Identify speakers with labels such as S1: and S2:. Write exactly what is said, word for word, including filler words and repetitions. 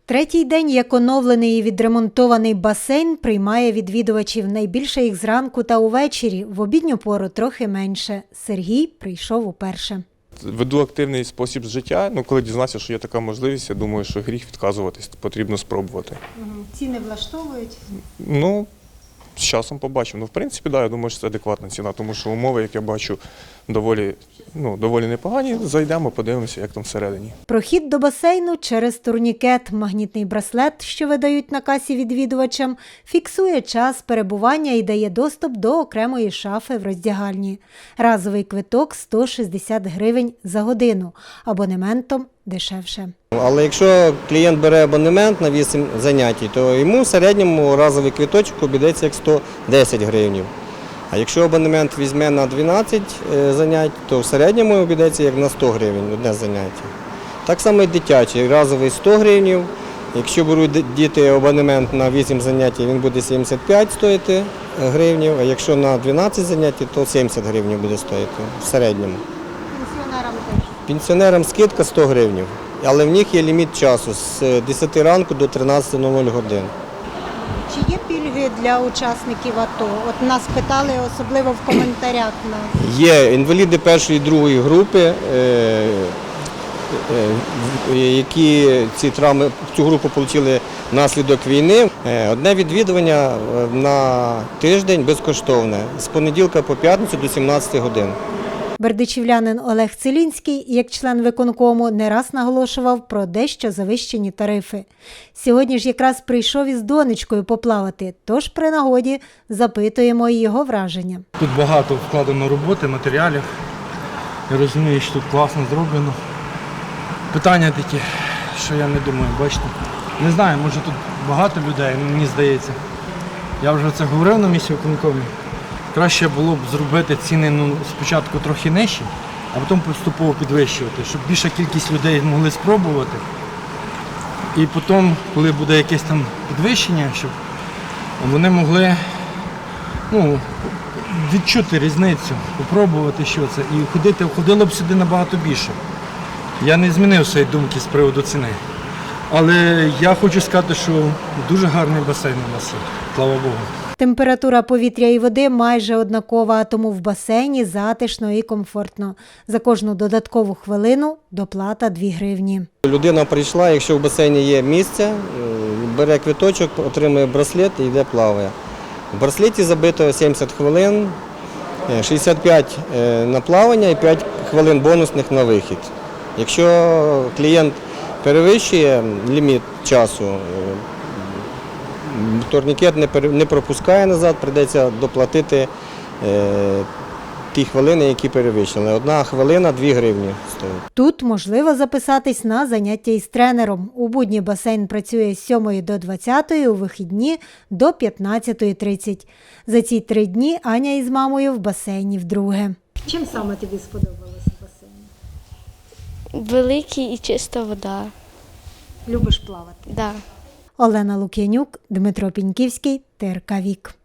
S1: Третій день, як оновлений і відремонтований басейн, приймає відвідувачів. Найбільше їх зранку та увечері, в обідню пору трохи менше. Сергій прийшов уперше.
S2: Веду активний спосіб життя. Ну, коли дізнався, що є така можливість, я думаю, що гріх відказуватись, потрібно спробувати.
S1: Ціни влаштовують?
S2: Ну, з часом побачимо. Ну, в принципі, да, я думаю, що це адекватна ціна, тому що умови, як я бачу, доволі, ну, доволі непогані. Зайдемо, подивимося, як там всередині.
S1: Прохід до басейну через турнікет. Магнітний браслет, що видають на касі відвідувачам, фіксує час перебування і дає доступ до окремої шафи в роздягальні. Разовий квиток – сто шістдесят гривень за годину. Абонементом дешевше.
S3: Але якщо клієнт бере абонемент на вісім занять, то йому в середньому разовий квиточок обійдеться як сто десять гривень. А якщо абонемент візьме на дванадцять занять, то в середньому обійдеться як на сто гривень одне заняття. Так само і дитячий, разовий сто гривень. Якщо беруть діти абонемент на вісім занять, він буде сімдесят п'ять стоїти гривень, а якщо на дванадцять занять, то сімдесят гривень буде стоїти в середньому.
S1: Пенсіонерам теж?
S3: Пенсіонерам скидка сто гривень, але в них є ліміт часу з десяти ранку до тринадцяти годин.
S1: Чи є пільги для учасників АТО? От нас питали, особливо в коментарях.
S3: Є інваліди першої і другої групи, які ці травми, цю групу отримали внаслідок війни. Одне відвідування на тиждень безкоштовне, з понеділка по п'ятницю до сімнадцяти годин.
S1: Бердичівлянин Олег Целінський, як член виконкому, не раз наголошував про дещо завищені тарифи. Сьогодні ж якраз прийшов із донечкою поплавати, тож при нагоді запитуємо і його враження.
S4: Тут багато вкладено роботи, матеріалів. Я розумію, що тут класно зроблено. Питання такі, що я не думаю, бачите. Не знаю, може тут багато людей, мені здається. Я вже це говорив на місці виконкомі. Краще було б зробити ціни ну, спочатку трохи нижчі, а потім поступово підвищувати, щоб більша кількість людей могли спробувати. І потім, коли буде якесь там підвищення, щоб вони могли ну, відчути різницю, спробувати, що це. І ходити, ходило б сюди набагато більше. Я не змінив своєї думки з приводу ціни. Але я хочу сказати, що дуже гарний басейн у нас є, слава Богу.
S1: Температура повітря і води майже однакова, тому в басейні затишно і комфортно. За кожну додаткову хвилину доплата дві гривні.
S3: Людина прийшла, якщо в басейні є місце, бере квиточок, отримує браслет і йде плаває. В браслеті забито сімдесят хвилин, шістдесят п'ять на плавання і п'ять хвилин бонусних на вихід. Якщо клієнт перевищує ліміт часу, турнікет не пропускає назад, прийдеться доплатити е, ті хвилини, які перевищили. Одна хвилина – дві гривні стоїть.
S1: Тут можливо записатись на заняття із тренером. У будні басейн працює з сьомої до двадцятої, у вихідні – до п'ятнадцятої тридцять. За ці три дні Аня із мамою в басейні вдруге. Чим саме тобі сподобалося басейн?
S5: Великий і чиста вода.
S1: Любиш плавати?
S5: Да.
S1: Олена Лук'янюк, Дмитро Піньківський, Т Р К Вік.